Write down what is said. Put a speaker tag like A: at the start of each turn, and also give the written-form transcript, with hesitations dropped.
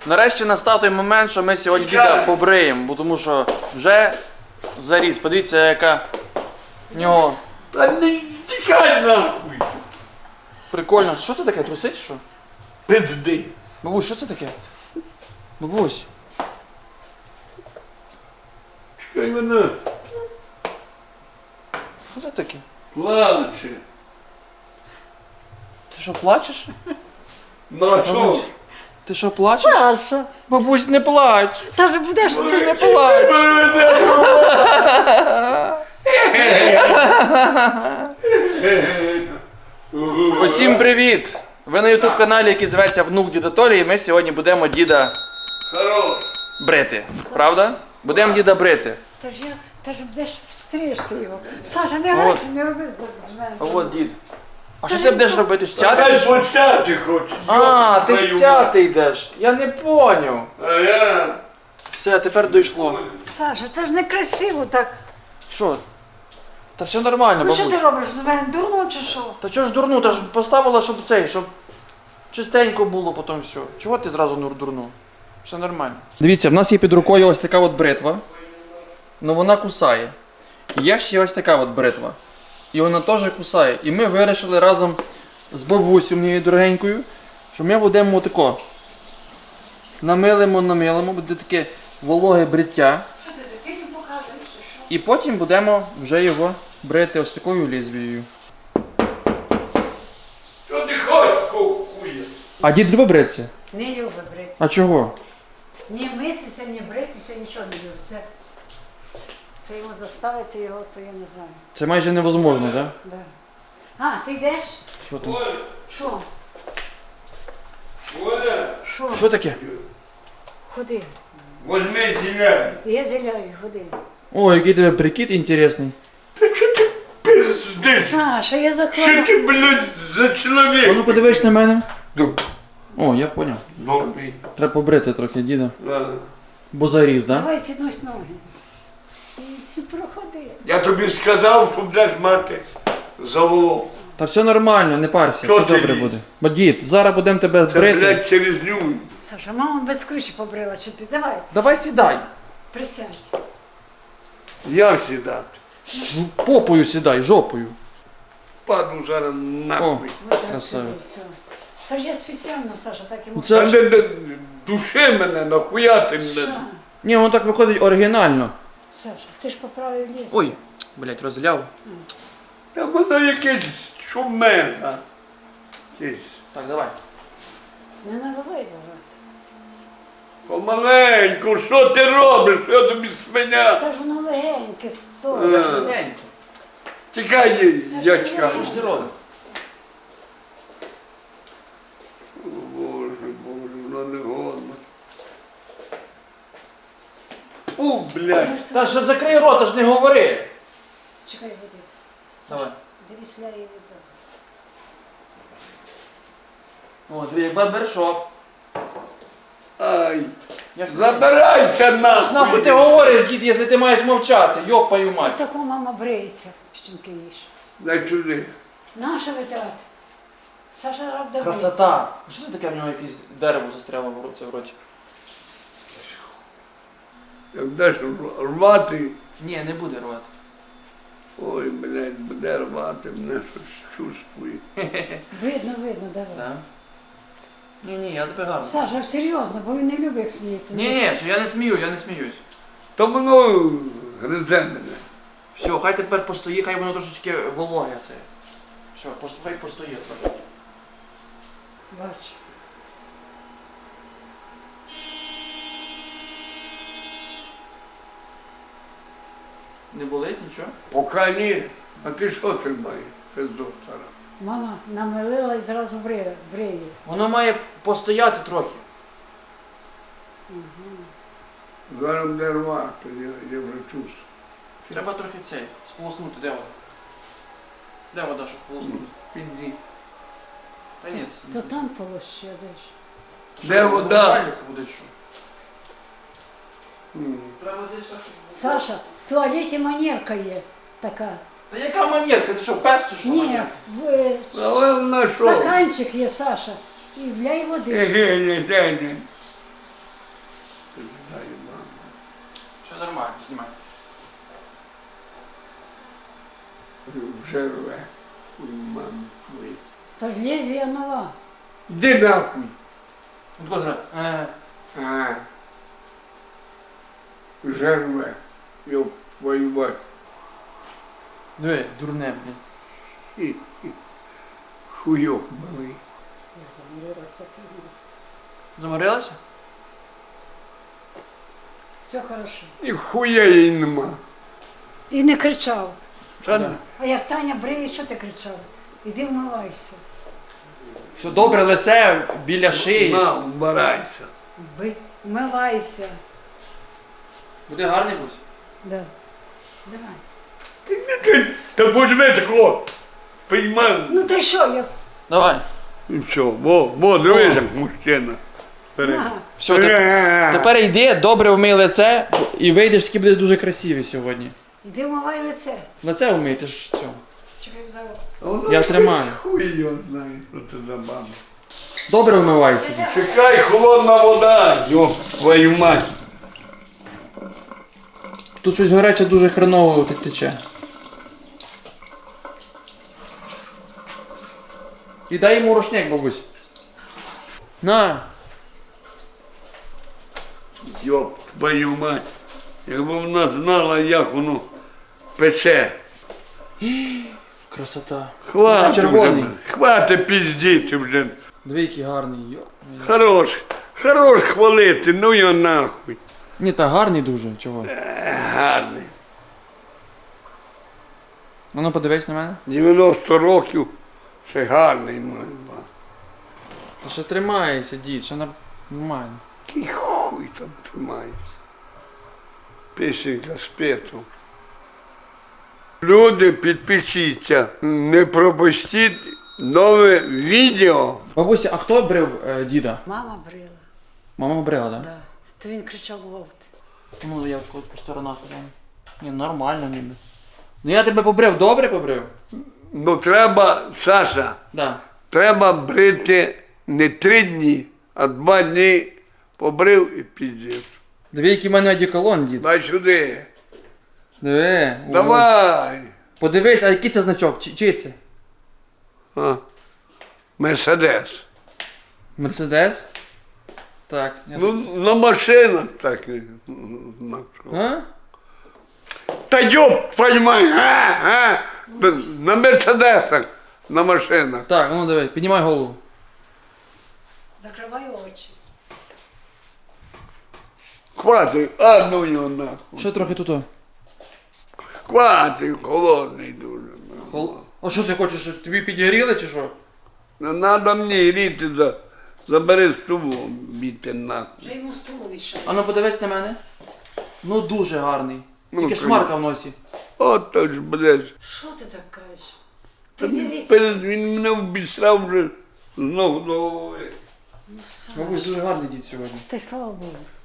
A: Нарешті настав той момент, що ми сьогодні діда побриємо, бо тому що вже заріс. Подивіться, яка в нього.
B: Та не тікай нахуй!
A: Прикольно. Що це таке? Трусить що?
B: Пизди!
A: Бабусь, що це таке? Бабусь.
B: Чекай мене!
A: Що це таке?
B: Плаче!
A: Ти що, плачеш?
B: На що?
A: Бабусь, ти що, плачеш?
C: Саша,
A: Бабусь, не плач.
C: та ж будеш з цим.
A: Не плач. Усім привіт! Ви на ютуб каналі, який зветься Внук Діда Толі, і ми сьогодні будемо діда
B: Хорош!
A: брити. Правда? Будемо діда брити.
C: Та ж будеш стрижти його. Саша, не грайся, не роби з мене.
A: А от дід. А що ти будеш робити?
B: Дай
A: Стяти?
B: почати хоч!
A: А, ти
B: твою
A: стяти йдеш. Я не поняв.
B: А я...
A: Все, тепер дійшло.
C: Саша, це ж не красиво так.
A: Що? Та все нормально,
C: Ну що
A: бабусь.
C: ти робиш з мене? Дурно чи що?
A: Та чого ж дурну? Та ж поставила, щоб чистенько було потім все. Чого ти зразу дурну? Все нормально. Дивіться, в нас є під рукою ось така от бритва. Ну вона кусає. І є ще ось така от бритва. І вона теж кусає. І ми вирішили разом з бабусею моєю дорогенькою, що ми будемо отако. Намилимо, буде таке вологе бриття. І потім будемо вже його брити ось такою лезвією.
B: Що ти хочеш, хуя?
A: А дід любить бритися?
C: Не любить бритися.
A: А чого?
C: Ні митися, ні бритися, нічого не любить. Це йому заставити його, то я не знаю.
A: Це майже невозможно, так? Да?
C: Да. А, ти йдеш?
A: Що там?
B: Оля!
C: Що?
B: Оля!
C: Що?
A: Що таке?
C: Ходи.
B: Возьми зіляй!
C: Я зіляю, ходи.
A: О, який тебе прикид інтересний.
B: Та що ти пиздиш?
C: Саша, я
B: Що
C: заклала.
B: ти, блядь, за
A: А ну
B: чоловік?
A: подивись на мене.
B: Ну,
A: О, я поняв.
B: Бомбі.
A: Треба побрити трохи діда.
B: На.
A: Бо заріз, да?
C: Давай піднось ноги. І проходи.
B: Я тобі сказав, що будеш мати заволок.
A: Та все нормально, не парся,
B: Що
A: все
B: ти
A: добре
B: лізь?
A: буде. Бо дід, зараз будемо тебе
B: Це,
A: брити.
B: блядь, через ню.
C: Саша, мама без ключі побрила, чи ти? Давай,
A: Давай сідай.
C: присядь.
B: Як сідати?
A: Попою сідай, жопою.
B: Паду зараз нахуй.
C: Вот так
A: Красавець.
C: сиди, все. Та ж я спеціально, Саша, так йому.
A: Це-
B: Та не души мене, нахуя ти
C: Що?
B: мене?
A: Ні, воно так виходить оригінально.
C: Саша, ти ж поправив ліс.
A: Ой, блять, розляв.
B: Та воно якесь шумега. Якесь.
A: Так, давай.
C: Не наливай його.
B: Помаленьку, що ти робиш? Що тобі свиня?
C: Та ж воно легеньке, сто.
B: Тікай, дядька.
A: Що ж ти робиш?
B: О, Боже, воно не годно. Фу, блядь.
A: Та ж закрий рот, аж не говори.
C: Чекай, води.
A: Давай.
C: Дивись, ляє вода.
A: О, дві барбершоп.
B: Ай,
A: Я ж
B: забирайся
A: нахуй
B: нахуй.
A: ти говориш, дід, якщо ти маєш мовчати, йопаю мать.
C: Таку мама бриється, щінки їж.
B: Дай сюди.
C: Наша витрат. Саша робить.
A: Красота. А що це таке в нього якесь дерево застряло в роті?
B: Як будеш рвати,
A: Ні, не буде рвати.
B: ой, блядь, буде рвати, мене щось чувствує.
C: Видно, давай.
A: Да? Ні, я тебе гарно.
C: Саша, серйозно, бо він не любить, як сміється.
A: Ні, я не сміюсь.
B: То воно гризе мене.
A: Все, хай тепер постоїть, хай воно трошечки вологе це. Все, хай постоїть.
C: Бач.
A: Не болить нічого?
B: Поки ні. А ти що тримаєш, пиздок стара?
C: Мама намилила і зразу бриє.
A: Воно має постояти трохи.
B: Зараз буде рвати, я вже чувствую.
A: Треба трохи цей, сполоснути, де вода? Де вода, щоб сполоснути?
B: Піди.
A: Та ні.
C: То там полощадиш.
B: Де вода?
A: Буде що? Треба десь так, щоб...
C: Саша, в туалеті манерка є така.
A: Та яка манерка? Ти що, пес чи що?
C: Ні,
A: манерка?
B: Але вона що?
C: стаканчик є, Саша. І вляй води.
B: Ні. Дай мама.
A: Все нормально, знімай.
B: Вже рве у мами твої.
C: Та ж лезвія нова.
B: Іди нахуй.
A: От козра.
B: А. Вже рве. Йоп, твою мать.
A: Диви, дурне, блін.
B: Хуйок малий.
C: Я заморилася ти.
A: Заморилася?
C: Все хорошо.
B: І хуя їй нема.
C: І не кричав.
B: Та
A: Да.
C: А як Таня бриє, що ти кричав? Іди вмивайся.
A: Що добре лице біля шиї.
B: на, вбирайся.
C: Вмивайся.
A: Буде гарний будь.
C: Да. Давай.
B: Та возьми такого. Піймай.
C: Ну ти що, я...
A: Давай.
B: І все, во, дивись, як мужчина. Бери.
C: Ага.
A: Все, тепер йди, добре вмий лице і вийдеш, таки будеш дуже красивий сьогодні.
C: Іди вмивай лице.
A: Лице вмий, ти ж цього.
C: Чекай зараз.
A: Я тримаю.
B: Хуй його знає, що це за баба.
A: Добре вмивайся.
B: Чекай, холодна вода, йоп, твою мать.
A: Тут щось гаряче дуже хреново тече. І дай йому рушник, бабусь. На.
B: Йоп, твою мать. Якби вона знала, як воно пече.
A: Красота.
B: Хватить
A: Червоний.
B: вже, хватить піздіти вже.
A: Диви, який гарний.
B: Хорош хвалити, ну його нахуй.
A: Ні, та гарний дуже, чого?
B: Гарний.
A: Ну, подивись на мене.
B: 90 років, ще гарний мой ба.
A: Та ще тримається, дід, ще нормально.
B: Який хуй там тримається. Пісенька спету. Люди, підпишіться, не пропустіть нове відео.
A: Бабуся, а хто брив діда?
C: Мама брила.
A: Мама брила, так? Да?
C: Да. То він кричав вовт.
A: Ну, я от по сторонах гляну. Ні, нормально ніби. Ну я тебе побрив, добре побрив?
B: Ну треба, Саша,
A: Да.
B: треба брити не 3 дні, а 2 дні побрив і піздець.
A: Диви, який в мене одеколон, дід.
B: Дай сюди.
A: Диви. о.
B: Давай.
A: Подивись, а який це значок? Чий це?
B: А. Мерседес.
A: Мерседес? Так. Я...
B: Ну, на машинах так.
A: А?
B: Та йоп, поймай, на Мерседесах, на машинах.
A: Так, ну диви, піднімай голову.
C: Закривай очі.
B: Хватить, а ну його нахуй.
A: Що трохи тут?
B: Хватить, холодний дуже.
A: А що ти хочеш, щоб тобі підігріли чи що?
B: Не треба мені гріти, забери стулу, біти нахуй.
C: Вже йому стулу вішав.
A: А ну подивись на мене. Ну дуже гарний.
B: Ну,
A: Тільки шмарка в носі.
B: От то ж, блядь.
C: Що ти так кажеш? Ти дивись.
B: Він мене обісрав вже з ног до голови.
C: Ну, Саш,
A: Бабусь, дуже гарний дід сьогодні.
C: Та й слава Богу.